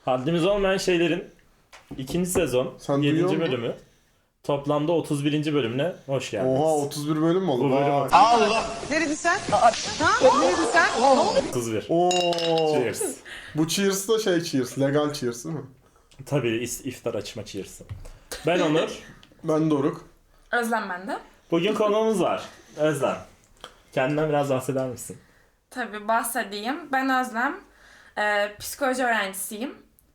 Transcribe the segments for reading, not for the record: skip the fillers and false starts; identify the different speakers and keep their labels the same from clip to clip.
Speaker 1: Haddimiz olmayan şeylerin 2. sezon
Speaker 2: Sen
Speaker 1: 7.
Speaker 2: duyuyor musun?
Speaker 1: bölümü. Toplamda 31. bölümüne hoş geldiniz.
Speaker 2: Oha 31 bölüm mü oldu?
Speaker 1: Bu bölüm
Speaker 2: Vay.
Speaker 3: Allah!
Speaker 4: Neredin sen? Ha? Neredin sen?
Speaker 1: 31.
Speaker 2: Oo.
Speaker 1: Cheers.
Speaker 2: Bu cheers da cheers. Legal cheers değil mi?
Speaker 1: Tabii iftar açma cheers'ı. Ben Onur.
Speaker 2: Ben Doruk.
Speaker 5: Özlem bende.
Speaker 1: Bugün konuğumuz var. Özlem. Kendinden biraz bahseder misin?
Speaker 5: Tabii bahsedeyim. Ben Özlem. Psikoloji öğrencisiyim.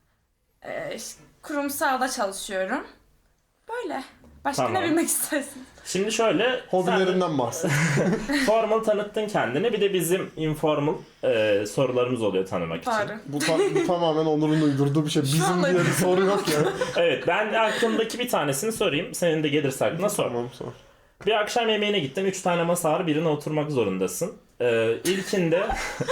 Speaker 5: Kurumsalda çalışıyorum. Böyle. Başka
Speaker 1: Tamam.
Speaker 5: ne bilmek istersin?
Speaker 1: Şimdi şöyle...
Speaker 2: Hobilerinden bahset.
Speaker 1: Formal tanıttın kendini. Bir de bizim informal sorularımız oluyor tanımak için.
Speaker 5: Doğru.
Speaker 2: Bu tamamen Onur'un uydurduğu bir şey. Bizim diye bir soru yok ya.
Speaker 1: Evet, ben aklımdaki bir tanesini sorayım. Senin de gelirse aklına sor.
Speaker 2: Tamam sor.
Speaker 1: Bir akşam yemeğine gittin. 3 tane masa var. Birine oturmak zorundasın. İlkinde...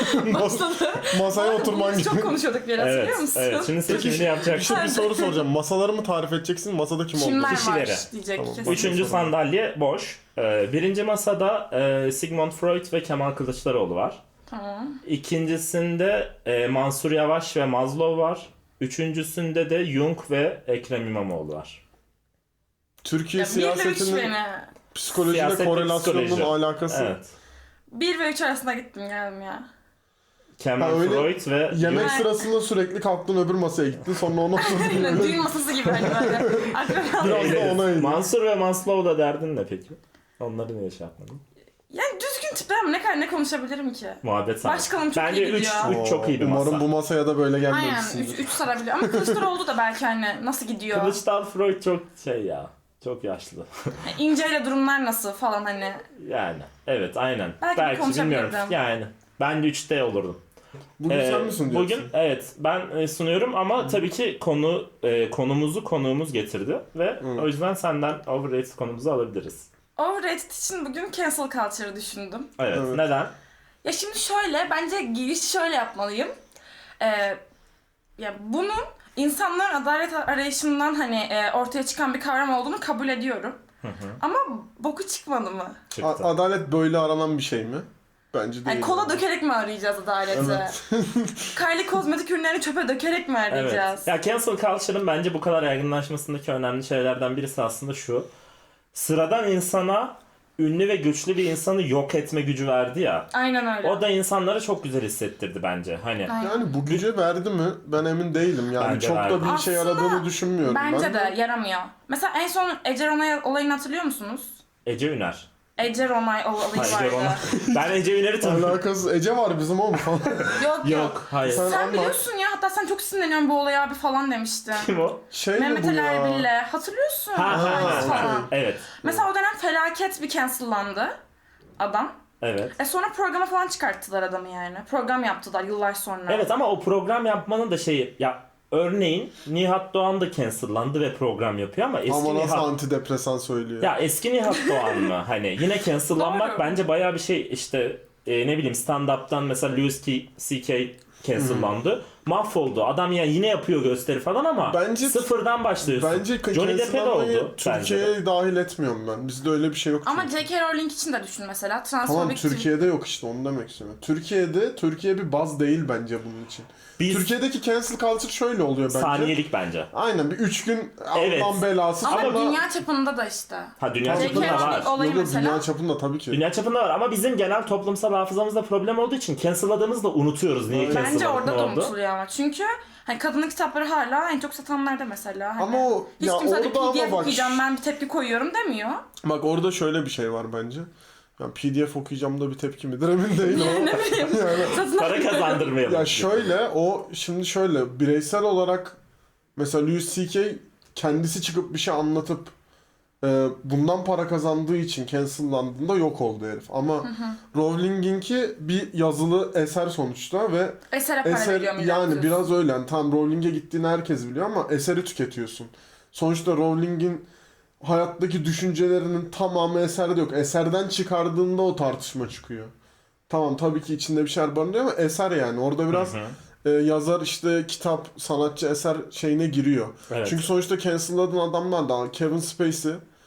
Speaker 2: Masaya oturman
Speaker 5: Bunu
Speaker 2: gibi.
Speaker 5: çok konuşuyorduk biraz
Speaker 1: Evet,
Speaker 5: biliyor musun?
Speaker 1: evet. Şimdi seçimini yapacaksın.
Speaker 2: Bir soru soracağım. Masaları mı tarif edeceksin? Masada kim
Speaker 5: Kimler
Speaker 2: oldu?
Speaker 1: Kişileri.
Speaker 5: var diyecek
Speaker 2: Tamam.
Speaker 5: kesin.
Speaker 1: Üçüncü sandalye boş. Birinci masada Sigmund Freud ve Kemal Kılıçdaroğlu var.
Speaker 5: Tamam.
Speaker 1: İkincisinde Mansur Yavaş ve Maslow var. Üçüncüsünde de Jung ve Ekrem İmamoğlu var.
Speaker 2: Türkiye
Speaker 5: Ya 1 ile 3
Speaker 2: siyasetinin
Speaker 5: beni.
Speaker 2: psikolojiyle
Speaker 1: Siyaset ve
Speaker 2: korelasyonunun
Speaker 1: psikoloji.
Speaker 2: alakası.
Speaker 1: Evet.
Speaker 5: 1 ve 3 arasında gittim geldim ya.
Speaker 1: Kemal
Speaker 2: Ha, öyle
Speaker 1: Freud ve
Speaker 2: Yemek
Speaker 1: Jung.
Speaker 2: sırasında sürekli kalktın öbür masaya gittin sonra ona oturdun.
Speaker 5: Aynen düğün masası gibi hani böyle. Akraba.
Speaker 2: Biraz da ona eğilim.
Speaker 1: Mansur ve Maslow da derdin ne peki? Onları niye şey yapmadın?
Speaker 5: Yani düzgün tipler ama ne kadar ne konuşabilirim ki?
Speaker 1: Muhabbet sana.
Speaker 5: Başkanım çok
Speaker 1: Bence
Speaker 5: iyi gidiyor.
Speaker 1: 3 çok iyi bir masa.
Speaker 2: Umarım bu masaya da böyle
Speaker 5: Aynen
Speaker 2: gelmemişsindir.
Speaker 5: 3 sarabiliyor ama Kılıçdaroğlu da belki hani nasıl gidiyor?
Speaker 1: Kılıçdaroğlu Freud çok şey ya. Çok yaşlı.
Speaker 5: İnceyle durumlar nasıl falan hani.
Speaker 1: Yani. Evet aynen.
Speaker 5: Belki
Speaker 1: bilmiyorum.
Speaker 5: konuşabilirdim.
Speaker 1: Yani. Ben de 3'te olurdum.
Speaker 2: Bugün sen mi sunuyorsun?
Speaker 1: Bugün evet ben sunuyorum ama tabii ki konuğumuz getirdi ve o yüzden senden overrated konumuzu alabiliriz.
Speaker 5: Overrated için bugün cancel culture'ı düşündüm.
Speaker 1: Evet.
Speaker 2: Evet.
Speaker 1: Neden?
Speaker 5: Ya şimdi şöyle bence giriş şöyle yapmalıyım. Ya bunun insanların adalet arayışından hani ortaya çıkan bir kavram olduğunu kabul ediyorum. Ama boku çıkmadı mı?
Speaker 1: Çıktı.
Speaker 2: Adalet böyle aranan bir şey mi? Bence değil.
Speaker 5: Yani kola dökerek mi arayacağız adaleti?
Speaker 2: Evet.
Speaker 5: Kylie kozmetik ürünlerini çöpe dökerek mi arayacağız?
Speaker 1: Evet. Ya cancel culture'ın bence bu kadar yaygınlaşmasındaki önemli şeylerden birisi aslında şu. Sıradan insana ünlü ve güçlü bir insanı yok etme gücü verdi ya.
Speaker 5: Aynen öyle.
Speaker 1: O da insanlara çok güzel hissettirdi bence. Hani
Speaker 5: Aynen.
Speaker 2: Yani bu güce verdi mi? Ben emin değilim. Yani
Speaker 1: Bence
Speaker 2: çok
Speaker 1: verdi.
Speaker 2: da bir şey
Speaker 5: Aslında
Speaker 2: yaradığını düşünmüyorum.
Speaker 5: Bence
Speaker 2: ben
Speaker 5: de yaramıyor. Mesela en son Ece Ronay olayını hatırlıyor musunuz?
Speaker 1: Ece Üner.
Speaker 5: Ece Ronay olayı
Speaker 1: Ha, Ece
Speaker 5: vardı.
Speaker 1: Ronay. Ben Ece Üner'i tanıyorum.
Speaker 2: Alakası Ece var bizim oğlum falan.
Speaker 5: Yok.
Speaker 1: Yok, hayır.
Speaker 2: Sen
Speaker 5: Sen
Speaker 2: anlat.
Speaker 5: biliyorsun ya, hatta sen çok sinirleniyorsun bu olaya abi falan demiştin.
Speaker 1: Kim o?
Speaker 2: Şey mi
Speaker 5: Mehmet
Speaker 2: bu
Speaker 5: Ali
Speaker 2: ya?
Speaker 5: Erbil'le. Hatırlıyorsun?
Speaker 1: Ha,
Speaker 5: Aynısı falan.
Speaker 1: evet.
Speaker 5: Mesela o dönem felaket bir cancellandı adam.
Speaker 1: Evet.
Speaker 5: Sonra programa falan çıkarttılar adamı yani. Program yaptılar yıllar sonra.
Speaker 1: Evet ama o program yapmanın da şeyi ya örneğin Nihat Doğan da cancellandı ve program yapıyor ama eski
Speaker 2: Ama nasıl
Speaker 1: Nihat
Speaker 2: antidepresan söylüyor.
Speaker 1: ya eski Nihat Doğan mı? Hani yine cancellanmak
Speaker 5: Doğru.
Speaker 1: bence bayağı bir şey işte ne bileyim stand-up'tan mesela Louis C.K. cancellandı. Mahvoldu. Adam ya yine yapıyor gösteri falan ama
Speaker 2: Bence-
Speaker 1: sıfırdan başlıyorsun.
Speaker 2: Bence
Speaker 1: Johnny Depp'e de
Speaker 2: cancellanmayı
Speaker 1: oldu. bence de.
Speaker 2: Türkiye'ye dahil etmiyorum ben. Bizde öyle bir şey yok.
Speaker 5: Ama
Speaker 2: çünkü.
Speaker 5: J.K. Rowling için de düşün mesela.
Speaker 2: Tamam
Speaker 5: Transfobik
Speaker 2: Türkiye'de yok işte onu demek istiyorum. Türkiye bir baz değil bence bunun için.
Speaker 1: Biz
Speaker 2: Türkiye'deki cancel culture şöyle oluyor bence.
Speaker 1: saniyelik bence.
Speaker 2: Aynen bir 3 gün
Speaker 1: Evet.
Speaker 2: Allah'ın belası
Speaker 5: Ama
Speaker 2: sonra...
Speaker 5: dünya çapında da işte.
Speaker 1: Ha dünya
Speaker 5: J.K.
Speaker 1: çapında var.
Speaker 5: Rowling olayı
Speaker 2: Yok, yok,
Speaker 5: mesela.
Speaker 2: dünya çapında tabii ki.
Speaker 1: Dünya çapında var ama bizim genel toplumsal hafızamızda problem olduğu için cancelladığımızda unutuyoruz niye
Speaker 2: Bence
Speaker 1: cancelladık,
Speaker 5: Bence orada
Speaker 1: ne
Speaker 5: da
Speaker 1: oldu.
Speaker 5: unutuluyor ama. Çünkü hani kadının kitapları hala en çok satanlarda mesela. Hani
Speaker 2: Ama o
Speaker 5: hiç
Speaker 2: ya
Speaker 5: kimse de
Speaker 2: orada ama
Speaker 5: PDF
Speaker 2: bak
Speaker 5: okuyacağım ben bir tepki koyuyorum demiyor.
Speaker 2: bak orada şöyle bir şey var bence. Yani PDF okuyacağım da bir tepki midir emin değilim ama.
Speaker 5: Ne bileyim. Satın
Speaker 1: Para kazandırmayalım.
Speaker 2: Ya şöyle şimdi şöyle bireysel olarak mesela Louis C.K. kendisi çıkıp bir şey anlatıp bundan para kazandığı için cancellandığında yok oldu herif. Ama Rowling'inki bir yazılı eser sonuçta ve
Speaker 5: Esere para
Speaker 2: eser
Speaker 5: veriyor millet.
Speaker 2: yani biraz öyle. Yani tam Rowling'e gittiğini herkes biliyor ama eseri tüketiyorsun. Sonuçta Rowling'in hayattaki düşüncelerinin tamamı eserde yok. Eserden çıkardığında o tartışma çıkıyor. Tamam tabii ki içinde bir şeyler barındırıyor ama eser yani. Orada biraz yazar işte kitap, sanatçı eser şeyine giriyor.
Speaker 1: Evet.
Speaker 2: Çünkü sonuçta cancel'ladığın adamlar da Kevin Spacey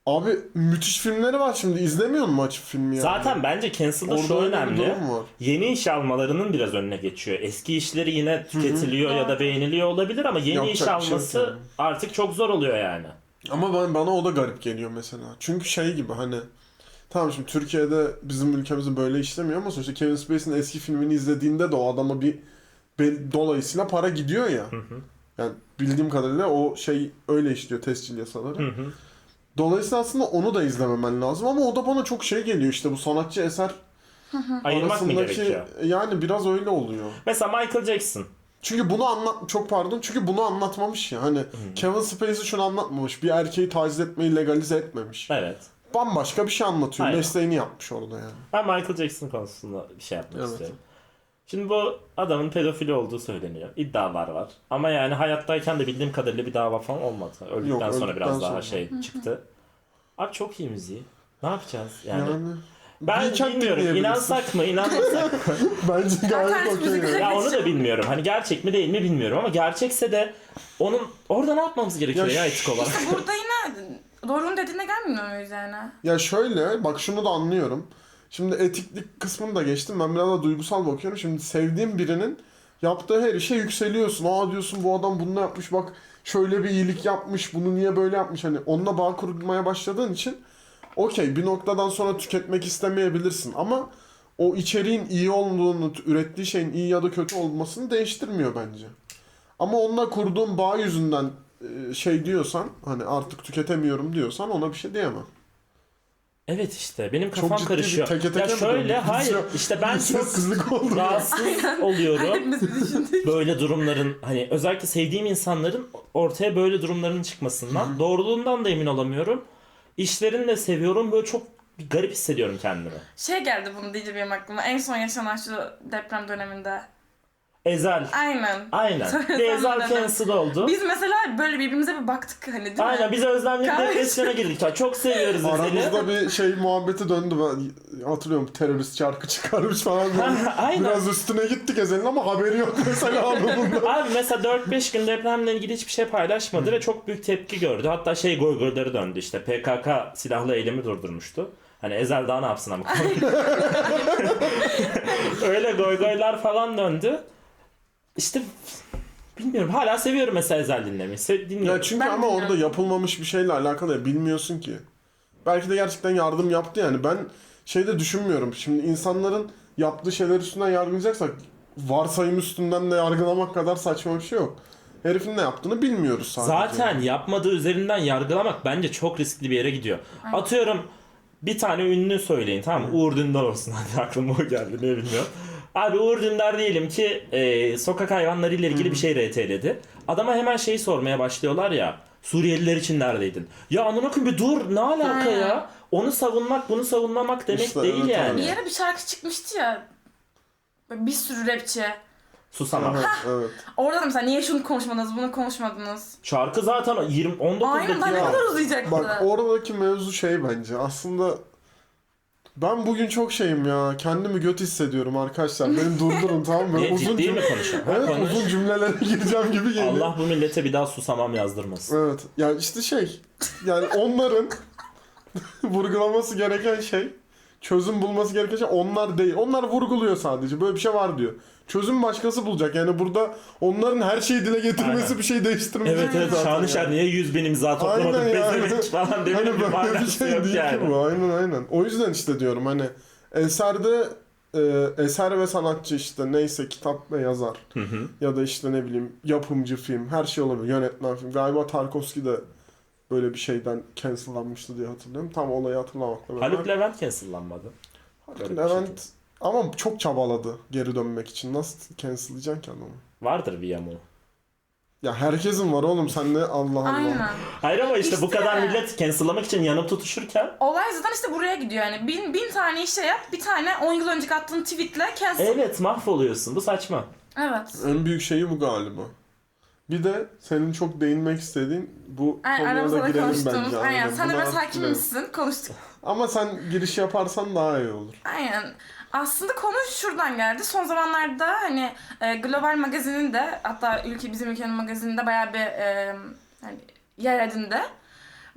Speaker 2: Abi müthiş filmleri var şimdi. İzlemiyor musun açıp filmi yani?
Speaker 1: Zaten bence cancel'da
Speaker 2: Orada
Speaker 1: şu
Speaker 2: öyle bir
Speaker 1: önemli.
Speaker 2: durum var.
Speaker 1: Yeni iş almalarının biraz önüne geçiyor. Eski işleri yine tüketiliyor ya da beğeniliyor olabilir ama yeni
Speaker 2: Yapacak
Speaker 1: iş
Speaker 2: bir şey yok
Speaker 1: alması
Speaker 2: yani.
Speaker 1: artık çok zor oluyor yani.
Speaker 2: Ama bana o da garip geliyor mesela. Çünkü şey gibi hani tamam şimdi Türkiye'de bizim ülkemizde böyle işlemiyor ama sonuçta Kevin Spacey'nin eski filmini izlediğinde de o adama bir dolayısıyla para gidiyor ya. Yani bildiğim kadarıyla o şey öyle işliyor tescil yasaları. Dolayısıyla aslında onu da izlememen lazım ama o da bana çok şey geliyor işte bu sanatçı eser
Speaker 1: Ayırmak mı
Speaker 2: arasındaki
Speaker 1: gerekiyor?
Speaker 2: yani biraz öyle oluyor.
Speaker 1: Mesela Michael Jackson.
Speaker 2: Çünkü çünkü bunu anlatmamış ya hani Kevin Spacey şunu anlatmamış. Bir erkeği taciz etmeyi legalize etmemiş.
Speaker 1: Evet.
Speaker 2: Bambaşka bir şey anlatıyor.
Speaker 1: Aynen.
Speaker 2: Mesleğini yapmış orada yani.
Speaker 1: Ben Michael Jackson konusunda bir şey yapmak
Speaker 2: Evet.
Speaker 1: istiyorum. Şimdi bu adamın pedofili olduğu söyleniyor. İddialar var. Ama yani hayattayken de bildiğim kadarıyla bir dava falan olmadı. Öldükten sonra
Speaker 2: öldükten
Speaker 1: biraz daha
Speaker 2: sonra.
Speaker 1: şey çıktı. Abi çok iyi müziği. Ne yapacağız? Yani
Speaker 2: Yani
Speaker 1: ben
Speaker 2: Weekend
Speaker 1: bilmiyorum.
Speaker 2: dinleyebilirsin.
Speaker 1: İnansak mı, inanmasak mı?
Speaker 2: bence gayet
Speaker 5: Alternatif
Speaker 2: okey.
Speaker 5: müzik-
Speaker 2: yani.
Speaker 1: Ya onu da bilmiyorum. Hani gerçek mi değil mi bilmiyorum ama gerçekse de onun orada ne yapmamız gerekiyor
Speaker 2: Ya
Speaker 1: ya etik olarak?
Speaker 5: İşte burada yine doğrunun dediğine gelmiyor muyuz yani?
Speaker 2: Ya şöyle bak şunu da anlıyorum. Şimdi etiklik kısmını da geçtim. Ben biraz da duygusal bakıyorum. Şimdi sevdiğim birinin yaptığı her işe yükseliyorsun. Aa diyorsun bu adam bunu yapmış bak şöyle bir iyilik yapmış. Bunu niye böyle yapmış? Hani onunla bağ kurmaya başladığın için okey bir noktadan sonra tüketmek istemeyebilirsin ama o içeriğin iyi olduğunu, ürettiği şeyin iyi ya da kötü olmasını değiştirmiyor bence. Ama onunla kurduğun bağ yüzünden şey diyorsan hani artık tüketemiyorum diyorsan ona bir şey diyemem.
Speaker 1: Evet işte benim
Speaker 2: Çok
Speaker 1: kafam
Speaker 2: ciddi bir
Speaker 1: karışıyor.
Speaker 2: teke teke
Speaker 1: Ya
Speaker 2: mi
Speaker 1: şöyle
Speaker 2: döndük?
Speaker 1: hayır
Speaker 2: Biz
Speaker 1: işte ben çok
Speaker 2: Sessizlik oldu.
Speaker 1: rahatsız oluyorum.
Speaker 5: Hepimiz düşündük.
Speaker 1: Böyle durumların hani özellikle sevdiğim insanların ortaya böyle durumların çıkmasından doğruluğundan da emin olamıyorum. İşlerini de seviyorum böyle çok garip hissediyorum kendimi.
Speaker 5: Şey geldi bunu deyince benim aklıma. En son yaşanan şu deprem döneminde.
Speaker 1: Ezel.
Speaker 5: Aynen.
Speaker 1: Aynen. Bir Ezel cancel oldu.
Speaker 5: Biz mesela böyle birbirimize bir baktık hani değil mi?
Speaker 1: Aynen biz Özlem'le bir
Speaker 5: Kahve-
Speaker 1: depresyona girdik. Ya, çok seviyoruz Ezel'i.
Speaker 2: Aramızda bir şey muhabbeti döndü. Ben hatırlıyorum terörist şarkı çıkarmış falan.
Speaker 1: Aynen.
Speaker 2: Biraz üstüne gittik Ezel'in ama haberi yok mesela anlamında.
Speaker 1: Abi mesela 4-5 gün depremle ilgili hiçbir şey paylaşmadı ve çok büyük tepki gördü. Hatta şey goygoyları döndü işte. PKK silahlı eylemi durdurmuştu. Hani Ezel daha ne yapsın ama. Öyle goygoylar falan döndü. İşte bilmiyorum hala seviyorum mesela Ezel dinlemeyi. Dinliyorum.
Speaker 2: Ya çünkü
Speaker 5: Ben
Speaker 2: ama orada
Speaker 5: bilmiyorum.
Speaker 2: yapılmamış bir şeyle alakalı ya bilmiyorsun ki. Belki de gerçekten yardım yaptı yani. Ben şeyde düşünmüyorum. Şimdi insanların yaptığı şeyler üstünden yargılayacaksak varsayım üstünden de yargılamak kadar saçma bir şey yok. Herifin ne yaptığını bilmiyoruz sadece.
Speaker 1: Zaten yapmadığı üzerinden yargılamak bence çok riskli bir yere gidiyor. Atıyorum bir tane ünlü söyleyin tamam mı? Uğur Dündar olsun hadi aklıma o geldi ne bilmiyorum. Abi Uğur Dündar diyelim ki sokak hayvanları ile ilgili bir şey RT'ledi. Adama hemen şeyi sormaya başlıyorlar ya. Suriyeliler için neredeydin? Ya amına koyayım bir dur ne alaka ya? Onu savunmak bunu savunmamak demek
Speaker 2: İşte
Speaker 1: değil
Speaker 2: evet,
Speaker 1: yani.
Speaker 5: Bir ara bir şarkı çıkmıştı ya. Böyle bir sürü rapçi.
Speaker 1: Susamam.
Speaker 2: Evet, evet.
Speaker 5: Orada da mesela niye şunu konuşmadınız, bunu konuşmadınız?
Speaker 1: Şarkı zaten 19
Speaker 5: Aynen daha ne
Speaker 1: dakika.
Speaker 5: kadar uzayacaktı?
Speaker 2: Bak oradaki mevzu şey bence. Aslında ben bugün çok şeyim ya. Kendimi göt hissediyorum arkadaşlar. Beni durdurun tamam mı?
Speaker 1: Ne, ciddi mi konuşuyorsun?
Speaker 2: Evet
Speaker 1: Konuş.
Speaker 2: uzun cümlelere gireceğim gibi geliyor.
Speaker 1: Allah bu millete bir daha susamam yazdırmasın.
Speaker 2: Evet. Yani işte şey. Yani onların vurgulaması gereken şey, çözüm bulması gereken şey onlar değil. Onlar vurguluyor sadece. Böyle bir şey var diyor. Çözüm başkası bulacak. Yani burada onların her şeyi dile getirmesi
Speaker 1: Aynen.
Speaker 2: bir şey değiştirmeyecek.
Speaker 1: Evet evet
Speaker 2: zaten
Speaker 1: Şanışer
Speaker 2: yani.
Speaker 1: niye 100.000 imza toplamadın
Speaker 2: Aynen yani.
Speaker 1: pezevenk falan demenin
Speaker 2: Hani
Speaker 1: bir
Speaker 2: böyle bir
Speaker 1: manası
Speaker 2: şey
Speaker 1: yok
Speaker 2: değil
Speaker 1: yani.
Speaker 2: ki bu. Aynen. O yüzden işte diyorum hani eserde eser ve sanatçı işte neyse kitap ve yazar ya da işte ne bileyim yapımcı film her şey olabilir. Yönetmen film. Galiba Tarkovski de böyle bir şeyden cancellanmıştı diye hatırlıyorum. Tam olayı hatırlamakla beraber.
Speaker 1: Haluk Levent cancellanmadı.
Speaker 2: Haluk Levent ama çok çabaladı geri dönmek için. Nasıl cancellayacaksın ki adamı?
Speaker 1: Vardır bir yamuğu.
Speaker 2: Ya herkesin var oğlum sen ne Allah Allah.
Speaker 5: Aynen.
Speaker 1: Hayır ama işte bu
Speaker 5: İşte.
Speaker 1: kadar millet cancellamak için yanıp tutuşurken
Speaker 5: Olay zaten işte buraya gidiyor yani. Bin tane işe yap, bir tane 10 yıl önce attığın tweetle cancel.
Speaker 1: evet mahvoluyorsun. Bu saçma.
Speaker 5: Evet.
Speaker 2: En büyük şeyi bu galiba. Bir de senin çok değinmek istediğin bu
Speaker 5: Aynen
Speaker 2: konuya da
Speaker 5: aramızda da
Speaker 2: girelim
Speaker 5: konuştuğumuz.
Speaker 2: bence.
Speaker 5: Aynen. Sen de
Speaker 2: Buna
Speaker 5: biraz hakim
Speaker 2: girelim.
Speaker 5: misin? Konuştuk.
Speaker 2: Ama sen giriş yaparsan daha iyi olur.
Speaker 5: Aynen. Aslında konu şuradan geldi. Son zamanlarda hani Global Magazin'in de hatta bizim ülkenin magazininde bayağı bir hani yer edindi.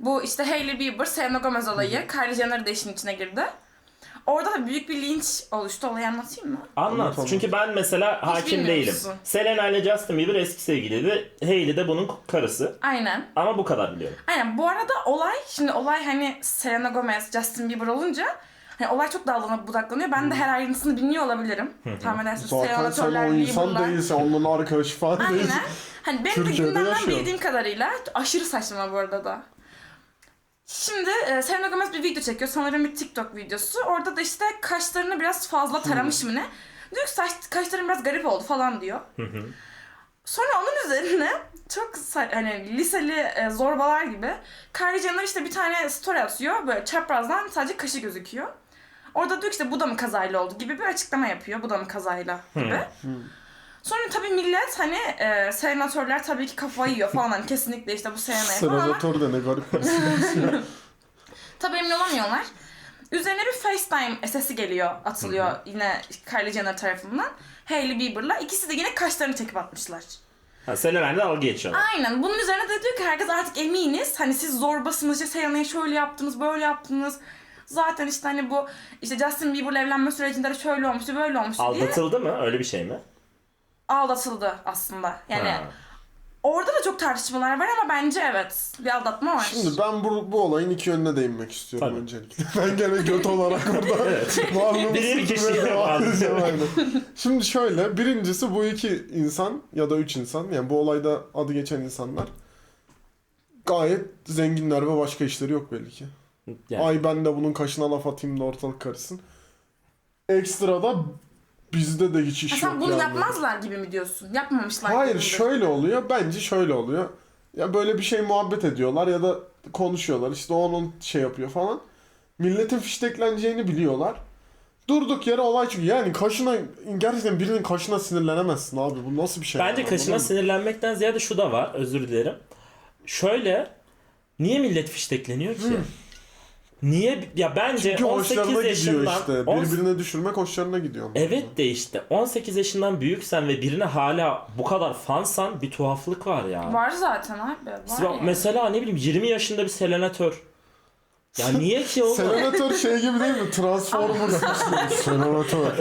Speaker 5: Bu işte Hailey Bieber, Selena Gomez olayı. Kylie Jenner de işin içine girdi. Orada da büyük bir linç oluştu. Olayı anlatayım mı?
Speaker 1: Anlat.
Speaker 2: Anlatamam.
Speaker 1: Çünkü ben mesela hakim değilim.
Speaker 5: bilmiyorsun.
Speaker 1: Selena ile Justin Bieber eski sevgiliydi. Hailey de bunun karısı.
Speaker 5: Aynen.
Speaker 1: Ama bu kadar biliyorum.
Speaker 5: Aynen. Bu arada olay hani Selena Gomez, Justin Bieber olunca hani olay çok dallanıp budaklanıyor. Ben de her ayrıntısını bilmiyor olabilirim. Tahmin edersiniz.
Speaker 2: Zaten sen o insan değilsin, onun arkadaşı falan değilsin.
Speaker 5: Aynen. Hani benim de
Speaker 2: Türkiye'de
Speaker 5: gündemden
Speaker 2: yaşıyor.
Speaker 5: bildiğim kadarıyla aşırı saçma bu arada da. Şimdi Selena Gomez bir video çekiyor. Sanırım bir TikTok videosu. Orada da işte kaşlarını biraz fazla taramış mı ne? Diyor ki kaşların biraz garip oldu falan diyor. Sonra onun üzerine çok hani liseli zorbalar gibi Kylie Jenner işte bir tane story atıyor. Böyle çaprazdan sadece kaşı gözüküyor. Orada diyor ki işte bu da mı kazayla oldu gibi bir açıklama yapıyor. Bu da mı kazayla gibi. Sonra tabii millet hani senatörler tabii ki kafayı yiyor falan hani kesinlikle işte bu Selena'ya falan ama
Speaker 2: Senatör de ne garip bir isim.
Speaker 5: tabii emin olamıyorlar. Üzerine bir FaceTime sesi geliyor, atılıyor yine Kylie Jenner tarafından. Hailey Bieber'la. İkisi de yine kaşlarını çekip atmışlar.
Speaker 1: Ha, Selena'yla dalga geçiyorlar.
Speaker 5: Aynen. Bunun üzerine de diyor ki herkes artık eminiz. Hani siz zorbasınız, işte Selena'yı şöyle yaptınız, böyle yaptınız. Zaten işte hani bu işte Justin Bieber'la evlenme sürecinde de şöyle olmuştu, böyle olmuştu diye
Speaker 1: Aldatıldı mı? Öyle bir şey mi?
Speaker 5: aldatıldı aslında. Yani
Speaker 1: Ha.
Speaker 5: orada da çok tartışmalar var ama bence evet bir aldatma var.
Speaker 2: Şimdi ben bu olayın iki yönüne değinmek istiyorum
Speaker 1: Tabii.
Speaker 2: öncelikle. Ben gene göt olarak orada varlığımı
Speaker 1: Bir kişiye
Speaker 2: sürdürmeye devam
Speaker 1: bağlı.
Speaker 2: edeceğim, aynen. Şimdi şöyle, birincisi bu iki insan ya da üç insan, yani bu olayda adı geçen insanlar gayet zenginler ve başka işleri yok belli ki.
Speaker 1: Yani.
Speaker 2: Ay ben de bunun kaşına laf atayım da ortalık karışsın. Ekstra da bizde de hiç iş
Speaker 5: Ha,
Speaker 2: yok
Speaker 5: sen bunu
Speaker 2: yani.
Speaker 5: yapmazlar gibi mi diyorsun? Yapmamışlar
Speaker 2: Hayır,
Speaker 5: gibi mi?
Speaker 2: şöyle oluyor. Bence şöyle oluyor. Ya böyle bir şey muhabbet ediyorlar ya da konuşuyorlar. İşte onun şey yapıyor falan. Milletin fiştekleneceğini biliyorlar. Durduk yere olay çıkıyor. Yani kaşına, gerçekten birinin kaşına sinirlenemezsin abi. Bu nasıl bir şey?
Speaker 1: Bence
Speaker 2: yani,
Speaker 1: kaşına
Speaker 2: anladın mı?
Speaker 1: sinirlenmekten ziyade şu da var. Özür dilerim. Şöyle, niye millet fiştekleniyor ki? Niye? Ya bence
Speaker 2: Çünkü
Speaker 1: 18
Speaker 2: hoşlarına gidiyor
Speaker 1: yaşından...
Speaker 2: işte. Birbirine düşürmek hoşlarına gidiyor. ama.
Speaker 1: Evet de işte 18 yaşından büyüksen ve birine hala bu kadar fansan bir tuhaflık var ya.
Speaker 5: Var zaten abi. Var yani.
Speaker 1: Mesela ne bileyim 20 yaşında bir selenatör. Ya niye ki oğlum?
Speaker 2: Senatör şey gibi değil mi? Transformers. Senatör.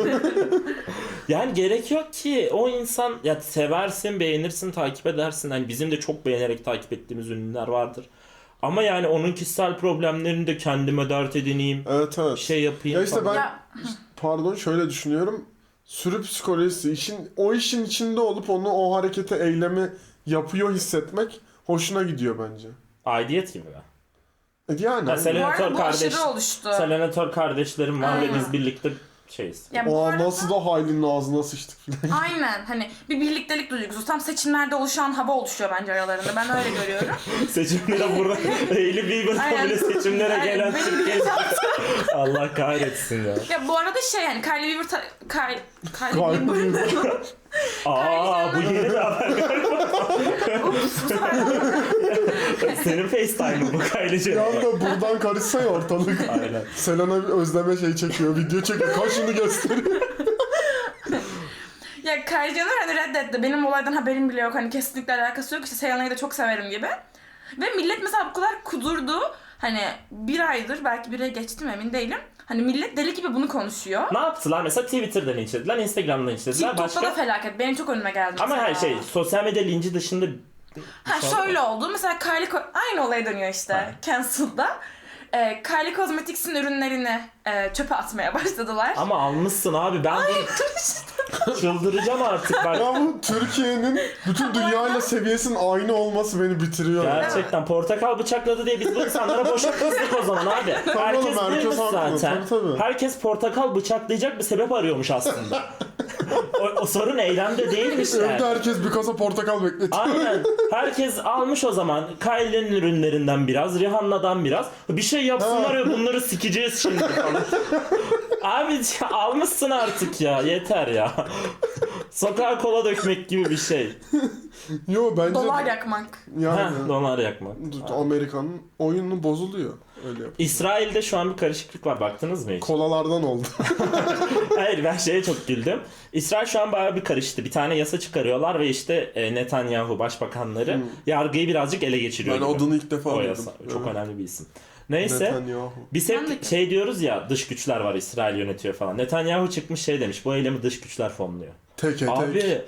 Speaker 1: Yani gerek yok ki o insan ya seversin, beğenirsin, takip edersin. Hani bizim de çok beğenerek takip ettiğimiz ünlüler vardır. Ama yani onun kişisel problemlerini de kendime dert edineyim,
Speaker 2: Evet evet.
Speaker 1: şey yapayım
Speaker 2: Ya işte
Speaker 1: falan.
Speaker 2: ben
Speaker 5: Ya,
Speaker 2: pardon şöyle düşünüyorum. Sürü psikolojisi, o işin içinde olup onu o harekete, eylemi yapıyor hissetmek hoşuna gidiyor bence.
Speaker 1: Aidiyet gibi mi?
Speaker 2: Yani
Speaker 1: Ha,
Speaker 5: bu
Speaker 1: Selenatör
Speaker 5: arada bu
Speaker 1: kardeş,
Speaker 5: aşırı oluştu.
Speaker 1: Selenatör kardeşlerim var ve
Speaker 5: Aynen.
Speaker 1: biz birlikte şeyiz.
Speaker 5: Ya bu
Speaker 2: o
Speaker 5: arada,
Speaker 2: nasıl da Hayli'nin ağzına sıçtık filan.
Speaker 5: aynen hani bir birliktelik duygusu. Tam seçimlerde oluşan hava oluşuyor bence aralarında. Ben öyle görüyorum.
Speaker 1: Seçimlere burada Hailey Bieber'dan
Speaker 5: Aynen.
Speaker 1: bile seçimlere
Speaker 5: Aynen,
Speaker 1: gelen
Speaker 5: benim
Speaker 1: Türkiye.
Speaker 5: bir-
Speaker 1: Allah kahretsin ya.
Speaker 5: Ya bu arada şey yani Kylie Bieber Kylie Bieber
Speaker 1: Aa bu yeni bir haber.
Speaker 5: Ups, bu sefer
Speaker 1: Senin FaceTime'ın bu Kylie
Speaker 2: Bir
Speaker 1: Jenner.
Speaker 2: anda buradan karışsa ya ortalık.
Speaker 1: Aynen.
Speaker 2: Selena özleme şey çekiyor, video çekiyor, kaşını gösteriyor.
Speaker 5: ya Kylie Jenner hani reddetti. Benim olaydan haberim bile yok. Hani kesinlikle alakası yok. İşte Selena'yı da çok severim gibi. Ve millet mesela bu kadar kudurdu. Hani bir aydır belki bir ay geçti mi emin değilim. Hani millet deli gibi bunu konuşuyor.
Speaker 1: Ne yaptılar? Mesela Twitter'dan linçlediler, Instagram'dan linçlediler.
Speaker 5: TikTok'ta da felaket. Benim çok önüme geldi
Speaker 1: Ama
Speaker 5: mesela.
Speaker 1: her şey sosyal medya linci dışında
Speaker 5: Ha şöyle oldu. Mesela aynı olaya dönüyor işte.
Speaker 1: Ha.
Speaker 5: Cancel'da. Kylie Cosmetics'in ürünlerini çöpe atmaya başladılar.
Speaker 1: ama almışsın abi ben bunu çıldıracağım artık bak.
Speaker 2: Ya bu Türkiye'nin bütün dünyayla seviyesinin aynı olması beni bitiriyor.
Speaker 1: Gerçekten portakal bıçakladı diye biz bu insanlara boşa kızdık o zaman abi. Herkes
Speaker 2: oğlum, herkes
Speaker 1: buymuş
Speaker 2: haklı.
Speaker 1: zaten.
Speaker 2: Tabii.
Speaker 1: Herkes portakal bıçaklayacak bir sebep arıyormuş aslında. o sorun eylemde değilmiş
Speaker 2: Evde
Speaker 1: yani.
Speaker 2: herkes bir kasa portakal bekletiyor.
Speaker 1: Aynen. Herkes almış o zaman Kylie'nin ürünlerinden biraz, Rihanna'dan biraz. Bir şey yapsınlar ya bunları sikeceğiz şimdi falan. Abi almışsın artık ya. Yeter ya. Sokağa kola dökmek gibi bir şey.
Speaker 2: Yo bence
Speaker 5: Dolar yakmak.
Speaker 2: yani
Speaker 1: Heh, donar yakmak.
Speaker 2: Amerika'nın oyunu bozuluyor öyle yap.
Speaker 1: İsrail'de şu an bir karışıklık var. Baktınız mı hiç?
Speaker 2: Kolalardan oldu.
Speaker 1: Hayır, ben şeye çok güldüm. İsrail şu an bayağı bir karıştı. Bir tane yasa çıkarıyorlar ve işte Netanyahu başbakanları yargıyı birazcık ele geçiriyor
Speaker 2: Ben
Speaker 1: gibi.
Speaker 2: adını ilk defa
Speaker 1: O
Speaker 2: duydum.
Speaker 1: yasa. Çok
Speaker 2: Evet.
Speaker 1: önemli bir isim. Neyse.
Speaker 2: Netanyahu.
Speaker 1: Biz
Speaker 5: Ben de-
Speaker 1: hep şey diyoruz ya, dış güçler var, İsrail yönetiyor falan. Netanyahu çıkmış şey demiş, bu eylemi dış güçler fonluyor.
Speaker 2: Tek.
Speaker 1: Abi.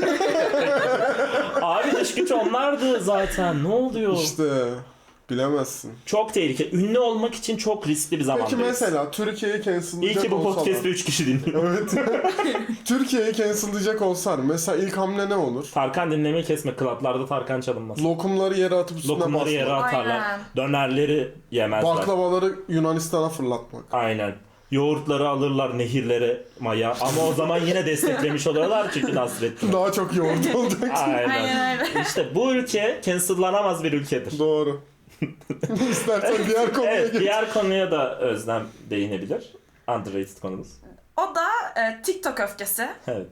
Speaker 1: Abi dış güç onlardı zaten. Ne oluyor?
Speaker 2: İşte bilemezsin.
Speaker 1: Çok tehlikeli. Ünlü olmak için çok riskli bir zamandayız.
Speaker 2: Peki mesela Türkiye'yi
Speaker 1: İyi
Speaker 2: cancel'layacak
Speaker 1: ki bu
Speaker 2: olsalar.
Speaker 1: podcast'te 3 kişi dinliyor.
Speaker 2: Evet. Türkiye'yi cancel'layacak olsalar mesela ilk hamle ne olur?
Speaker 1: Tarkan dinlemeyi kesme. Klaplarda Tarkan çalınmaz.
Speaker 2: Lokumları yere atıp üstüne
Speaker 1: Lokumları yere
Speaker 2: basmak.
Speaker 1: atarlar.
Speaker 5: Aynen.
Speaker 1: Dönerleri yemezler.
Speaker 2: Baklavaları Yunanistan'a fırlatmak.
Speaker 1: Aynen. Yoğurtları alırlar nehirlere maya. Ama o zaman yine desteklemiş oluyorlar çünkü Nasrettin.
Speaker 2: Daha çok yoğurt olacak.
Speaker 1: Aynen.
Speaker 5: Aynen öyle.
Speaker 1: İşte bu ülke cancellanamaz bir ülkedir.
Speaker 2: Doğru. İstersen diğer konuya
Speaker 1: Evet,
Speaker 2: geç.
Speaker 1: diğer konuya da Özlem değinebilir. Underrated konumuz.
Speaker 5: O da TikTok öfkesi.
Speaker 1: Evet.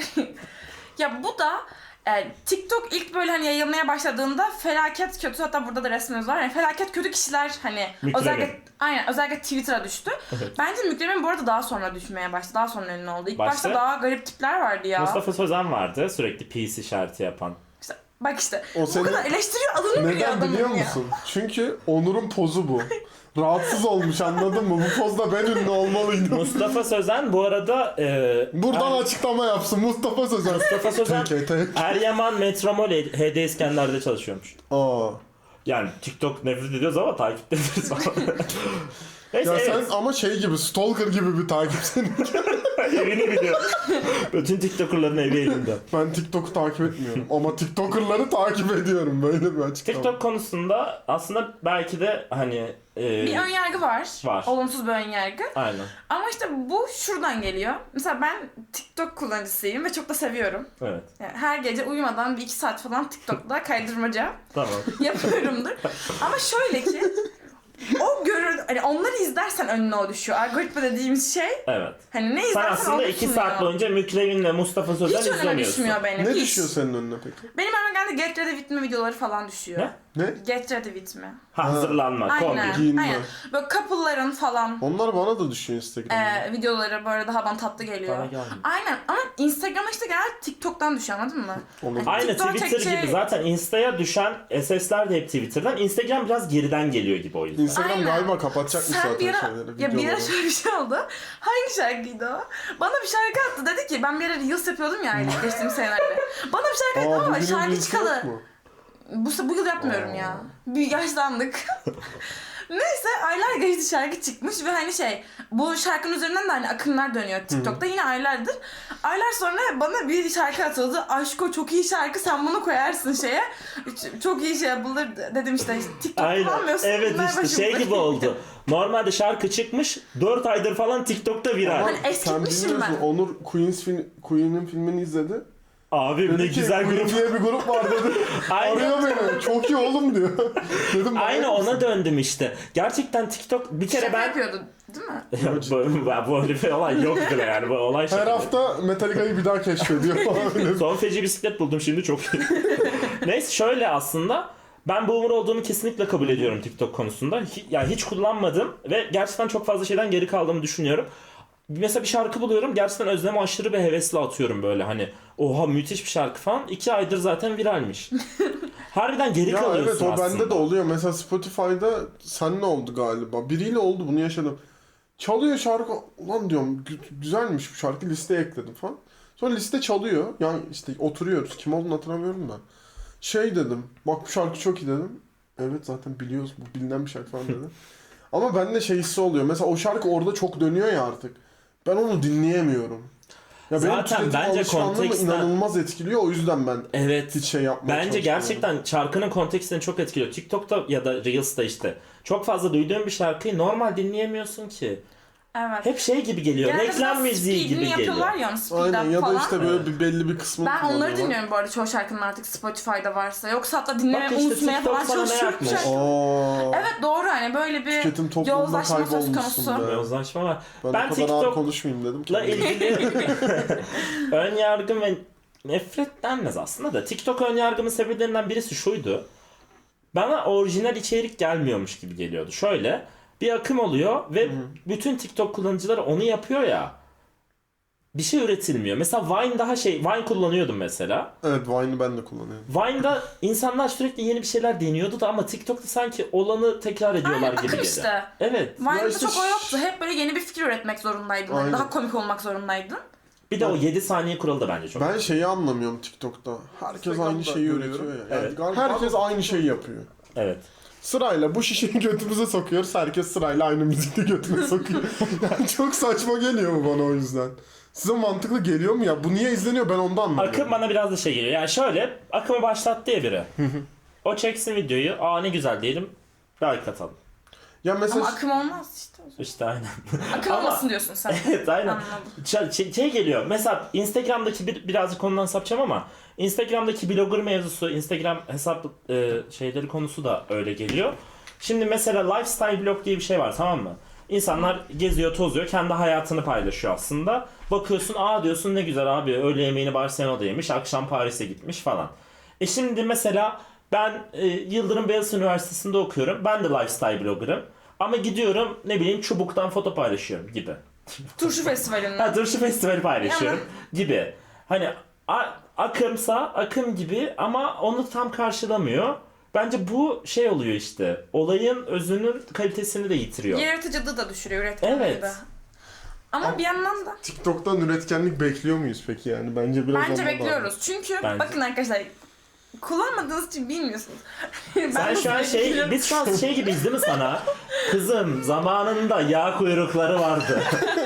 Speaker 5: Ya bu da TikTok ilk böyle hani yayılmaya başladığında felaket kötü, hatta burada da resmimiz var. Yani felaket kötü kişiler hani
Speaker 1: Mükremin.
Speaker 5: özellikle Twitter'a düştü.
Speaker 1: Evet.
Speaker 5: Bence Mükremin bu arada daha sonra düşmeye başladı. Daha sonra ünlü oldu. İlk
Speaker 1: Başta-
Speaker 5: başta daha garip tipler vardı ya.
Speaker 1: Mustafa Sözen vardı, sürekli peace işareti yapan.
Speaker 5: İşte, bak işte
Speaker 2: O
Speaker 5: bu
Speaker 2: seni-
Speaker 5: kadar eleştiriyor, adını biliyor
Speaker 2: Neden
Speaker 5: adamın
Speaker 2: biliyor
Speaker 5: ya.
Speaker 2: musun? Çünkü Onur'un pozu bu. Rahatsız olmuş, anladın mı? Bu pozda ben ünlü olmalıydım.
Speaker 1: Mustafa Sözen bu arada
Speaker 2: Buradan açıklama yapsın Mustafa Sözen.
Speaker 1: Mustafa Sözen
Speaker 2: Tek.
Speaker 1: Eryaman Metromol HD İskender'de çalışıyormuş.
Speaker 2: Aa.
Speaker 1: Yani TikTok nefret ediyoruz ama takipte ederiz falan. Neyse,
Speaker 2: Ya
Speaker 1: evet.
Speaker 2: sen ama şey gibi, stalker gibi bir takipsin.
Speaker 1: Evini biliyor. Bütün TikToker'ların evi elinde.
Speaker 2: Ben TikTok'u takip etmiyorum ama TikToker'ları takip ediyorum. Böyle bir açıklama.
Speaker 1: TikTok konusunda aslında belki de hani
Speaker 5: Bir önyargı var.
Speaker 1: Var.
Speaker 5: Olumsuz bir önyargı.
Speaker 1: aynen.
Speaker 5: Ama işte bu şuradan geliyor. Mesela ben TikTok kullanıcısıyım ve çok da seviyorum.
Speaker 1: Evet.
Speaker 5: Yani her gece uyumadan bir 2 saat falan TikTok'ta kaydırmaca
Speaker 1: Tamam.
Speaker 5: yapıyorumdur. Ama şöyle ki o hani onları izlersen önüne o düşüyor. Algoritma dediğimiz şey
Speaker 1: Evet.
Speaker 5: hani ne
Speaker 1: Sen
Speaker 5: izlersen
Speaker 1: aslında
Speaker 5: o
Speaker 1: 2
Speaker 5: düşmüyor.
Speaker 1: saat boyunca Mükremin ve Mustafa Sözen
Speaker 5: hiç önüme
Speaker 1: izlemiyorsun.
Speaker 5: düşmüyor benim.
Speaker 2: Ne
Speaker 5: hiç.
Speaker 2: düşüyor senin önüne peki?
Speaker 5: Benim önüme genelde Get Ready With Me videoları falan düşüyor.
Speaker 1: Ne?
Speaker 2: Ne?
Speaker 5: Get Ready With Me.
Speaker 1: Hazırlanma,
Speaker 5: Aynen.
Speaker 1: kombi.
Speaker 2: Giyinme.
Speaker 5: Aynen. Böyle couple'ların falan
Speaker 2: Onlar bana da düşüyor Instagram'da.
Speaker 5: videoları böyle daha bana tatlı geliyor.
Speaker 1: Bana gelmiyor.
Speaker 5: Aynen ama Instagram'a işte genelde TikTok'tan düşüyor, anladın mı?
Speaker 2: Olur.
Speaker 1: Aynı
Speaker 5: TikTok'a
Speaker 1: Twitter
Speaker 5: çekeceği-
Speaker 1: gibi zaten Insta'ya düşen SS'ler de hep Twitter'dan. Instagram biraz geriden geliyor gibi o yüzden.
Speaker 2: Instagram
Speaker 5: Aynen.
Speaker 2: galiba kapatacakmış
Speaker 5: Sen
Speaker 2: zaten
Speaker 5: bir ara,
Speaker 2: şeyleri.
Speaker 5: ya bir ara
Speaker 2: videoları.
Speaker 5: şöyle bir şey oldu. Hangi şarkıydı o? Bana bir şarkı attı, dedi ki ben bir ara Reels yapıyordum ya geçtiğimiz senelerde. Bana bir şarkı attı ama
Speaker 2: bugünün
Speaker 5: şarkı
Speaker 2: birisi
Speaker 5: çıkalı.
Speaker 2: yok mu?
Speaker 5: Bu yıl yapmıyorum ya. Bir yaşlandık. Neyse aylar geçti, şarkı çıkmış ve hani bu şarkının üzerinden de hani akımlar dönüyor TikTok'ta yine aylardır. Aylar sonra bana bir şarkı atıldı. Aşko çok iyi şarkı, sen bunu koyarsın şeye. Çok iyi şey yapılır dedim işte. TikTok
Speaker 1: Aynen.
Speaker 5: kullanmıyorsun.
Speaker 1: Evet
Speaker 5: bunlar
Speaker 1: işte
Speaker 5: başımıza
Speaker 1: şey gibi
Speaker 5: geliyor.
Speaker 1: oldu. Normalde şarkı çıkmış 4 aydır falan TikTok'ta viral.
Speaker 2: Ama
Speaker 5: Hani
Speaker 2: sen
Speaker 5: eskitmişim
Speaker 2: bilmiyorsun,
Speaker 5: ben.
Speaker 2: Onur Queen'in filmini izledi.
Speaker 1: Abim ne
Speaker 2: Dedi ki,
Speaker 1: güzel
Speaker 2: Queen
Speaker 1: grup.
Speaker 2: diye bir grup var dedi.
Speaker 1: Aynen.
Speaker 2: Arıyor beni. Çok iyi oğlum diyor. Dedim
Speaker 1: Aynı
Speaker 2: manyak
Speaker 1: ona
Speaker 2: mısın?
Speaker 1: döndüm işte. Gerçekten TikTok bir kere
Speaker 5: Şaka
Speaker 1: ben...
Speaker 5: yapıyordu değil mi?
Speaker 1: Böyle bir olay yok bile yani. Bu olay
Speaker 2: Her
Speaker 1: şaka.
Speaker 2: hafta Metallica'yı bir daha keşfediyor falan. Öyle.
Speaker 1: Son feci bisiklet buldum şimdi çok iyi. Neyse şöyle aslında ben boomer olduğumu kesinlikle kabul ediyorum TikTok konusunda. Yani hiç kullanmadım ve gerçekten çok fazla şeyden geri kaldığımı düşünüyorum. Mesela bir şarkı buluyorum, gerçekten Özlem'e aşırı bir hevesle atıyorum böyle hani oha müthiş bir şarkı falan. 2 aydır zaten viralmiş. Harbiden geri
Speaker 2: Ya
Speaker 1: kalıyorsun
Speaker 2: evet o
Speaker 1: aslında.
Speaker 2: bende de oluyor. Mesela Spotify'da seninle oldu galiba. Biriyle oldu, bunu yaşadım. Çalıyor şarkı. Ulan diyorum güzelmiş bu şarkı, listeye ekledim falan. Sonra liste çalıyor. Yani işte oturuyoruz. Kim olduğunu hatırlamıyorum da. Şey dedim. Bak bu şarkı çok iyi dedim. Evet zaten biliyoruz, bu bilinen bir şarkı falan dedi. Ama bende şey hissi oluyor. Mesela o şarkı orada çok dönüyor ya artık. Ben onu dinleyemiyorum. Ya benim
Speaker 1: Zaten
Speaker 2: tüketim
Speaker 1: bence
Speaker 2: alışkanlığımı
Speaker 1: konteksten-
Speaker 2: inanılmaz etkiliyor. O yüzden ben
Speaker 1: Evet.
Speaker 2: hiç şey yapmaya
Speaker 1: Bence
Speaker 2: çalışmıyorum.
Speaker 1: gerçekten şarkının kontekstini çok etkiliyor. TikTok'ta ya da Reels'ta işte çok fazla duyduğun bir şarkıyı normal dinleyemiyorsun ki.
Speaker 5: Evet.
Speaker 1: Hep şey gibi geliyor.
Speaker 5: Genelde
Speaker 1: Reklam
Speaker 5: biraz
Speaker 1: müziği
Speaker 5: speedini
Speaker 1: gibi geliyor.
Speaker 5: yapıyorlar ya onu speed
Speaker 2: Aynen
Speaker 5: up
Speaker 2: ya da
Speaker 5: falan.
Speaker 2: işte böyle bir belli bir kısmını
Speaker 5: Ben onları
Speaker 2: kullanıyorlar.
Speaker 5: dinliyorum bu arada çoğu şarkının artık Spotify'da varsa. Yoksa hatta dinlemeye
Speaker 1: Bak işte
Speaker 5: unutmaya
Speaker 1: TikTok
Speaker 5: falan
Speaker 1: sana ne
Speaker 5: çalışıyorum
Speaker 1: yapmış?
Speaker 5: şarkı.
Speaker 2: Aa,
Speaker 5: Evet doğru hani böyle bir
Speaker 2: tüketim toplumunda
Speaker 5: yozlaşma söz
Speaker 2: kaybolmuşsun
Speaker 5: konusu.
Speaker 2: be.
Speaker 1: Yozlaşma var.
Speaker 2: Ben,
Speaker 1: Ben
Speaker 2: o kadar ağır
Speaker 1: TikTok'la
Speaker 2: konuşmayayım dedim ki.
Speaker 1: ilgili ön yargım ve nefret denmez aslında da. TikTok ön yargımın sebeplerinden birisi şuydu. Bana orijinal içerik gelmiyormuş gibi geliyordu. Şöyle bir akım oluyor ve bütün TikTok kullanıcıları onu yapıyor ya. Bir şey üretilmiyor. Mesela Vine daha Vine kullanıyordum mesela.
Speaker 2: Evet, Vine'ı ben de kullanıyorum.
Speaker 1: Vine'da insanlar sürekli yeni bir şeyler deniyordu da ama TikTok'ta sanki olanı tekrar ediyorlar
Speaker 5: Aynen
Speaker 1: gibi
Speaker 5: akım
Speaker 1: geliyor.
Speaker 5: işte.
Speaker 1: Evet.
Speaker 5: Vine'da
Speaker 2: Ya işte
Speaker 5: çok o yoktu. Hep böyle yeni bir fikir üretmek zorundaydın. Hani
Speaker 2: Aynen.
Speaker 5: daha komik olmak zorundaydın.
Speaker 1: Bir de o 7 saniye kuralı da bence çok.
Speaker 2: Ben şeyi anlamıyorum TikTok'ta. Herkes aynı
Speaker 3: Instagram'da
Speaker 2: şeyi
Speaker 3: görüyorum.
Speaker 2: üretiyor ya. Yani
Speaker 1: Evet.
Speaker 3: Galiba
Speaker 2: herkes aynı şeyi yapıyor.
Speaker 1: Evet.
Speaker 2: Sırayla bu şişeyi götümüze sokuyoruz. Herkes sırayla aynı müzikle götüne sokuyor. Yani çok saçma geliyor mu bana o yüzden? Size mantıklı geliyor mu ya? Bu niye izleniyor ben ondan anlamıyorum.
Speaker 1: Akım bana biraz da şey geliyor. Yani şöyle akımı başlattı ya biri. O çeksin videoyu. Aa ne güzel diyelim. Like atalım.
Speaker 2: Ya mesela
Speaker 5: Ama akım olmaz işte.
Speaker 1: İşte aynen.
Speaker 5: Akım
Speaker 1: Ama-
Speaker 5: olmasın diyorsun sen.
Speaker 1: Evet aynen.
Speaker 5: Anladım.
Speaker 1: Şey geliyor. Mesela Instagram'daki birazcık konudan sapacağım ama Instagram'daki blogger mevzusu, Instagram hesap şeyleri konusu da öyle geliyor. Şimdi mesela lifestyle blog diye bir şey var, tamam mı? İnsanlar geziyor, tozuyor, kendi hayatını paylaşıyor aslında. Bakıyorsun, aa diyorsun ne güzel abi, öğle yemeğini Barcelona'da yemiş, akşam Paris'e gitmiş falan. Şimdi mesela ben Yıldırım Beyazıt Üniversitesi'nde okuyorum. Ben de lifestyle bloggerım. Ama gidiyorum ne bileyim Çubuk'tan foto paylaşıyorum gibi.
Speaker 5: Turşu festivalinden.
Speaker 1: Ha Turşu Festivali paylaşıyorum gibi. Hani akımsa akım gibi ama onu tam karşılamıyor. Bence bu şey oluyor işte. Olayın özünün kalitesini de yitiriyor.
Speaker 5: Yaratıcılığı da düşürüyor, üretkenliği
Speaker 1: Evet.
Speaker 5: de. Ama bir yandan da
Speaker 2: TikTok'tan üretkenlik bekliyor muyuz peki yani? Bence biraz
Speaker 5: bence
Speaker 2: ondan
Speaker 5: bekliyoruz. Çünkü
Speaker 1: Bence.
Speaker 5: bakın arkadaşlar kullanmadığınız için bilmiyorsunuz. Ben
Speaker 1: Sen şu an
Speaker 5: nasıl bekliyorum?
Speaker 1: biz şu an şey gibiyiz değil mi sana? Kızım zamanında yağ kuyrukları vardı.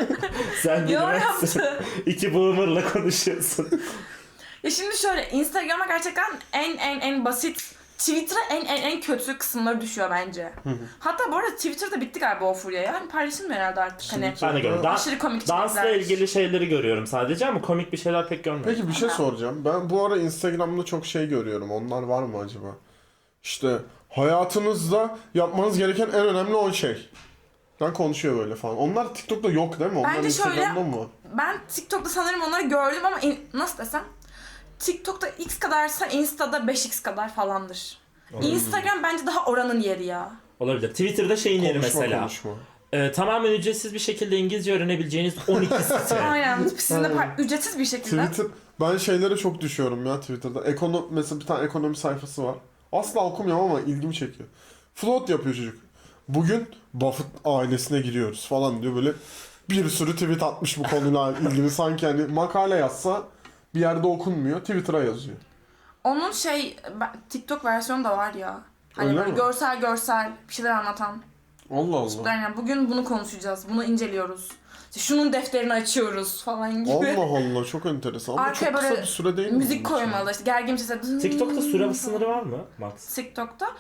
Speaker 1: Sen
Speaker 5: Yorum
Speaker 1: bilmezsin.
Speaker 5: yaptı.
Speaker 1: İki boomer'la konuşuyorsun.
Speaker 5: Ya şimdi şöyle Instagram'a gerçekten en basit, Twitter'a en kötü kısımları düşüyor bence. Hatta bu arada Twitter'da bitti galiba o furya ya. Hani paylaşılmıyor herhalde artık hani.
Speaker 1: Ben de görüyorum.
Speaker 5: Aşırı komik
Speaker 1: Dansla
Speaker 5: içerikler.
Speaker 1: ilgili şeyleri görüyorum sadece ama komik bir şeyler pek görmüyorum.
Speaker 2: Peki bir şey soracağım. Ben bu ara Instagram'da çok şey görüyorum. Onlar var mı acaba? İşte hayatınızda yapmanız gereken en önemli 10 şey. Ben konuşuyor böyle falan. Onlar TikTok'ta yok değil mi? Onlar
Speaker 5: Bence şöyle-
Speaker 2: Instagram'da mı var?
Speaker 5: Ben TikTok'ta sanırım onları gördüm ama nasıl desem TikTok'ta X kadarsa Insta'da 5X kadar falandır. Instagram bence daha oranın yeri ya.
Speaker 1: Olabilir. Twitter'da şeyin yeri mesela.
Speaker 2: Konuşma.
Speaker 1: Tamamen ücretsiz bir şekilde İngilizce öğrenebileceğiniz 12 site.
Speaker 5: Aynen. Sizin de ücretsiz bir şekilde.
Speaker 2: Twitter, ben şeylere çok düşüyorum ya Twitter'da. Mesela bir tane ekonomi sayfası var. Asla okumuyorum ama ilgimi çekiyor. Float yapıyor çocuk. Bugün Buffett ailesine giriyoruz falan diyor, böyle bir sürü tweet atmış bu konuyla ilgili. Sanki hani makale yazsa bir yerde okunmuyor, Twitter'a yazıyor.
Speaker 5: Onun TikTok versiyonu da var ya. Hani
Speaker 2: Öyle
Speaker 5: böyle
Speaker 2: mi?
Speaker 5: görsel bir şeyler anlatan.
Speaker 2: Allah Allah.
Speaker 5: Yani bugün bunu konuşacağız, bunu inceliyoruz. İşte şunun defterini açıyoruz falan gibi.
Speaker 2: Allah Allah, çok enteresan ama
Speaker 5: Arkaya
Speaker 2: çok kısa
Speaker 5: böyle
Speaker 2: bir süre değil mi?
Speaker 5: Müzik
Speaker 2: bunun için?
Speaker 5: koymalı işte gergin bir sesle.
Speaker 1: TikTok'ta süre sınırı var mı Max?
Speaker 5: TikTok'ta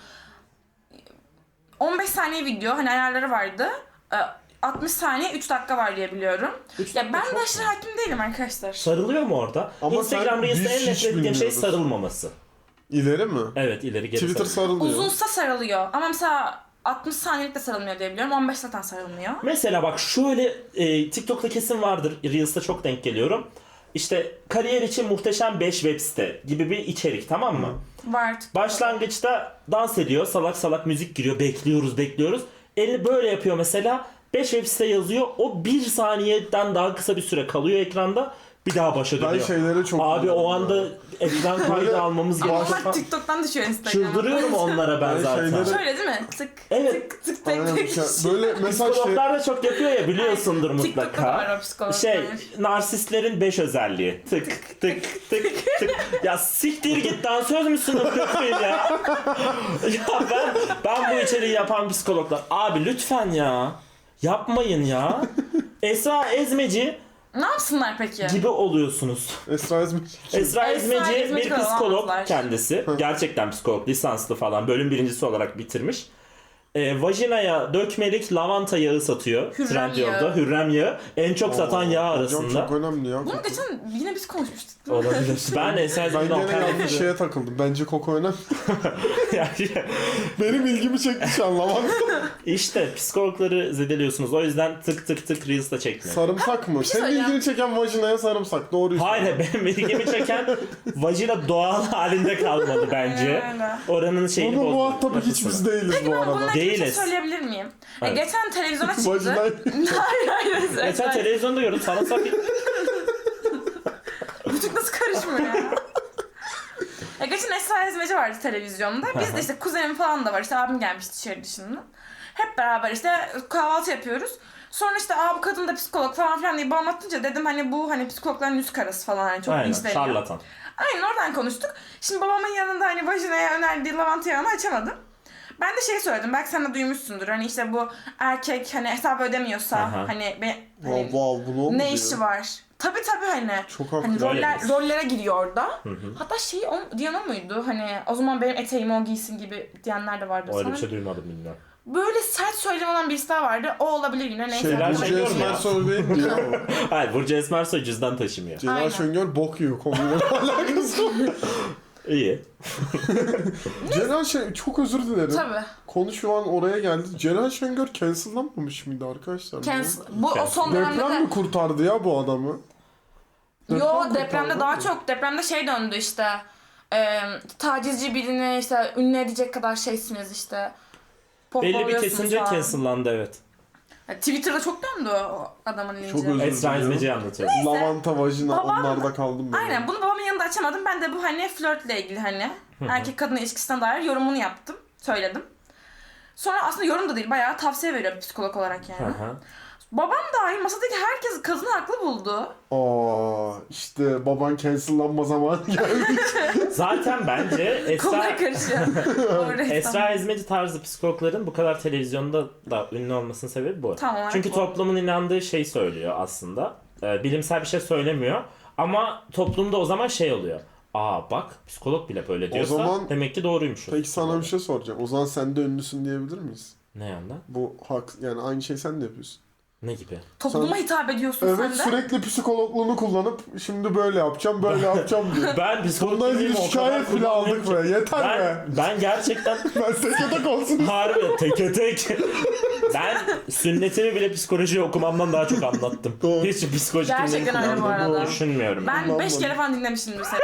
Speaker 5: 15 saniye video hani ayarları vardı. 60 saniye 3 dakika var diye biliyorum.
Speaker 1: 3
Speaker 5: Ya
Speaker 1: dakika
Speaker 5: ben
Speaker 1: çok
Speaker 5: de
Speaker 1: mu?
Speaker 5: aşırı hakim değilim arkadaşlar.
Speaker 1: Sarılıyor mu orada?
Speaker 2: Ama
Speaker 1: Instagram
Speaker 2: biz
Speaker 1: Reels'te en
Speaker 2: hiç
Speaker 1: nefret ettiğim şey
Speaker 2: bilmiyoruz.
Speaker 1: sarılmaması.
Speaker 2: İleri mi?
Speaker 1: Evet ileri geri
Speaker 2: Twitter
Speaker 1: sarılıyor.
Speaker 2: sarılıyor.
Speaker 5: Uzunsa sarılıyor ama mesela 60 saniyelik de sarılmıyor diye biliyorum. 15 zaten sarılmıyor.
Speaker 1: Mesela bak şöyle TikTok'ta kesin vardır. Reels'te çok denk geliyorum. İşte kariyer için muhteşem 5 web site gibi bir içerik, tamam mı?
Speaker 5: Var.
Speaker 1: Başlangıçta dans ediyor, salak salak müzik giriyor, bekliyoruz. Elini böyle yapıyor mesela. 5 web site yazıyor. O 1 saniyeden daha kısa bir süre kalıyor ekranda. Bir daha başa dönüyor.
Speaker 2: Ben şeylere çok
Speaker 1: Abi o
Speaker 2: gülüyorum
Speaker 1: anda
Speaker 2: ya.
Speaker 1: ekran kaydı
Speaker 2: Böyle-
Speaker 1: almamız
Speaker 5: Ama
Speaker 1: gerekiyor.
Speaker 5: onlar TikTok'tan düşüyor Instagram'a.
Speaker 1: Çıldırıyorum onlara ben
Speaker 2: Ben
Speaker 1: zaten.
Speaker 2: şeyleri-
Speaker 5: Şöyle değil mi? Tık
Speaker 1: Evet.
Speaker 5: tık tık
Speaker 2: Aynen,
Speaker 5: tık tık.
Speaker 2: böyle mesela şey,
Speaker 1: Psikologlar da çok yapıyor ya, biliyorsundur
Speaker 5: TikTok'ta da var
Speaker 1: mutlaka.
Speaker 5: o psikologlar.
Speaker 1: Şey, narsistlerin 5 özelliği. Tık tık tık tık. Ya siktir git, dansöz müsün ya? Ya ben bu içeriği yapan psikologlar. Abi lütfen ya. Yapmayın ya. Esra Ezmeci
Speaker 5: Ne yapsınlar peki?
Speaker 1: gibi oluyorsunuz.
Speaker 2: Esra İzmir.
Speaker 1: Esra Ezmeci bir
Speaker 5: Ezmeci
Speaker 1: psikolog
Speaker 5: olamazlar.
Speaker 1: kendisi. Gerçekten psikolog, lisanslı falan. Bölüm birincisi olarak bitirmiş. Vajinaya dökmelik lavanta yağı satıyor.
Speaker 5: Hürrem
Speaker 1: Trendyol'da.
Speaker 5: yağı.
Speaker 1: Hürrem yağı. En çok satan yağ
Speaker 2: Hocam
Speaker 1: arasında.
Speaker 2: çok önemli ya.
Speaker 5: Bunu geçen yine biz konuşmuştuk.
Speaker 1: Olabilir. Ben Eser
Speaker 2: Ben
Speaker 1: Zeydan
Speaker 2: gene yanlış şeye takıldım. Bence koku önemli. Benim ilgimi çekti şu an lavanta.
Speaker 1: İşte psikologları zedeliyorsunuz. O yüzden tık tık tık Reels'da çekmiyor.
Speaker 2: Sarımsak mı? Senin
Speaker 5: söyleyeceğim.
Speaker 2: ilgini çeken vajinaya sarımsak. Doğruyu
Speaker 1: Hayır, benim ilgimi çeken vajina doğal halinde kalmalı bence.
Speaker 5: Öyle.
Speaker 1: Oranın şeyini
Speaker 2: Bunu
Speaker 1: bozdu.
Speaker 2: muhatabı hiç biz değiliz bu
Speaker 5: Ben bununla
Speaker 2: arada.
Speaker 5: ilgili bir şey
Speaker 1: Değiliz.
Speaker 5: söyleyebilir miyim?
Speaker 1: Evet.
Speaker 5: Geçen televizyona çıktı.
Speaker 2: Vajinay.
Speaker 5: hayır.
Speaker 1: Geçen televizyonda gördüm sarımsak.
Speaker 5: Küçük nasıl karışmıyor ya? Geçen Esra İzmeci vardı televizyonda. Biz de işte kuzenim falan da var. İşte abim gelmişti şehir dışından. Hep beraber işte kahvaltı yapıyoruz. Sonra işte bu kadın da psikolog falan filan diye anlatınca dedim hani bu hani psikologların yüz karası falan hani çok
Speaker 1: Aynen,
Speaker 5: linçleniyor.
Speaker 1: şarlatan.
Speaker 5: Aynen oradan konuştuk. Şimdi babamın yanında hani vajinaya önerdiği lavanta yağını açamadım. Ben de şey söyledim, belki sen de duymuşsundur. Hani işte bu erkek hani hesap ödemiyorsa
Speaker 1: Aha.
Speaker 5: hani,
Speaker 2: Wow, bunu oldu
Speaker 5: ne
Speaker 2: diyor.
Speaker 5: işi var? Tabii hani.
Speaker 2: Çok haklı.
Speaker 5: Hani
Speaker 1: Öyleyiz.
Speaker 5: rollere giriyor orada. Hatta diyen o muydu? Hani o zaman benim eteğimi o giysin gibi diyenler de vardı.
Speaker 1: Öyle
Speaker 5: Sana
Speaker 1: bir şey duymadım bilmiyorum.
Speaker 5: böyle sert söylem olan birisi daha vardı. O olabilir yine neyse.
Speaker 1: Şeyler
Speaker 2: Burcu
Speaker 1: şey diyorum ya.
Speaker 2: Esmersoy değil diyor ama.
Speaker 1: Hayır, Burcu Esmersoy cüzdan taşımıyor.
Speaker 2: Celal
Speaker 5: Aynen.
Speaker 2: Şengör bok yiyor konuyla alakası yok.
Speaker 1: İyi.
Speaker 2: Celal Şengör çok özür dilerim.
Speaker 5: Tabii.
Speaker 2: Konu şu an oraya geldi. Celal Şengör cancellanmamış mıydı arkadaşlar?
Speaker 5: Bu o son dönemde
Speaker 2: Deprem
Speaker 5: de.
Speaker 2: mi kurtardı ya bu adamı?
Speaker 5: Yo depremde
Speaker 2: kurtardı
Speaker 5: daha
Speaker 2: mı?
Speaker 5: çok. Depremde şey döndü işte. Tacizci birini işte ünlü edecek kadar şeysiniz işte.
Speaker 1: Belli bir
Speaker 5: Pohpohluyorsunuz
Speaker 1: kesince
Speaker 5: falan.
Speaker 1: cancellandı, evet.
Speaker 5: Twitter'da çok döndü o adamın linci.
Speaker 2: Çok özür
Speaker 1: Esra
Speaker 2: diliyorum.
Speaker 1: İzmeci'yi anlatıyor.
Speaker 2: Lavanta, vajina
Speaker 5: Babam-
Speaker 2: onlarda kaldım ben.
Speaker 5: Aynen bunu babamın yanında açamadım. Ben de bu hani flörtle ilgili hani erkek kadın ilişkisine dair yorumunu yaptım. Söyledim. Sonra aslında yorum da değil bayağı tavsiye veriyor bir psikolog olarak yani.
Speaker 1: Hı hı.
Speaker 5: Babam dahil masadaki herkes kadını haklı buldu.
Speaker 2: İşte baban cancellanma zamanı geldi.
Speaker 1: Zaten bence
Speaker 5: Konuya
Speaker 1: Esra,
Speaker 5: karışıyor. Orada
Speaker 1: Esra İzmeci tarzı psikologların bu kadar televizyonda da ünlü olmasının sebebi bu.
Speaker 5: Tam olarak
Speaker 1: Çünkü
Speaker 5: bu.
Speaker 1: toplumun inandığı şey söylüyor aslında. Bilimsel bir şey söylemiyor. Ama toplumda o zaman şey oluyor. Bak psikolog bile böyle diyorsa
Speaker 2: zaman-
Speaker 1: demek ki doğruymuş.
Speaker 2: Peki sana bir şey soracağım. O zaman sen de ünlüsün diyebilir miyiz?
Speaker 1: Ne yandan?
Speaker 2: Bu hak yani aynı şey sen de yapıyorsun.
Speaker 1: Ne gibi?
Speaker 5: Topluma
Speaker 2: Sen-
Speaker 5: hitap ediyorsun
Speaker 2: Evet
Speaker 5: sen de.
Speaker 2: sürekli psikologluğunu kullanıp şimdi böyle yapacağım böyle yapacağım diyor.
Speaker 1: Ben psikolog
Speaker 2: Bundan
Speaker 1: değilim,
Speaker 2: ilgili
Speaker 1: o kadar
Speaker 2: şikayet bile
Speaker 1: kullanmıyorum
Speaker 2: aldık
Speaker 1: ki.
Speaker 2: be. Yeter be.
Speaker 1: Ben gerçekten
Speaker 2: Ben teke tek olsun.
Speaker 1: harbi teke tek. Ben sünnetimi bile psikoloji okumamdan daha çok anlattım.
Speaker 2: Doğru.
Speaker 1: Hiç psikoloji
Speaker 5: Gerçekten öyle bu
Speaker 1: dinlediğimi
Speaker 5: arada.
Speaker 1: düşünmüyorum.
Speaker 5: Ben 5
Speaker 2: Kullanmadım.
Speaker 5: kere falan dinlemişimdir seni.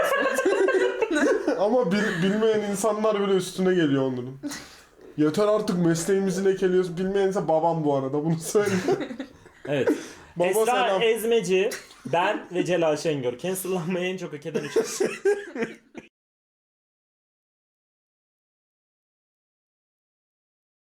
Speaker 2: Ama bilmeyen insanlar bile üstüne geliyor onların. Yeter artık mesleğimizi lekeliyoruz. Bilmeyense babam bu arada bunu söyleyeyim.
Speaker 1: Evet.
Speaker 2: Baba
Speaker 1: Esra
Speaker 2: selam.
Speaker 1: Ezmeci, ben ve Celal Şengör. Cancellanmayı en çok hak eden üç kişi.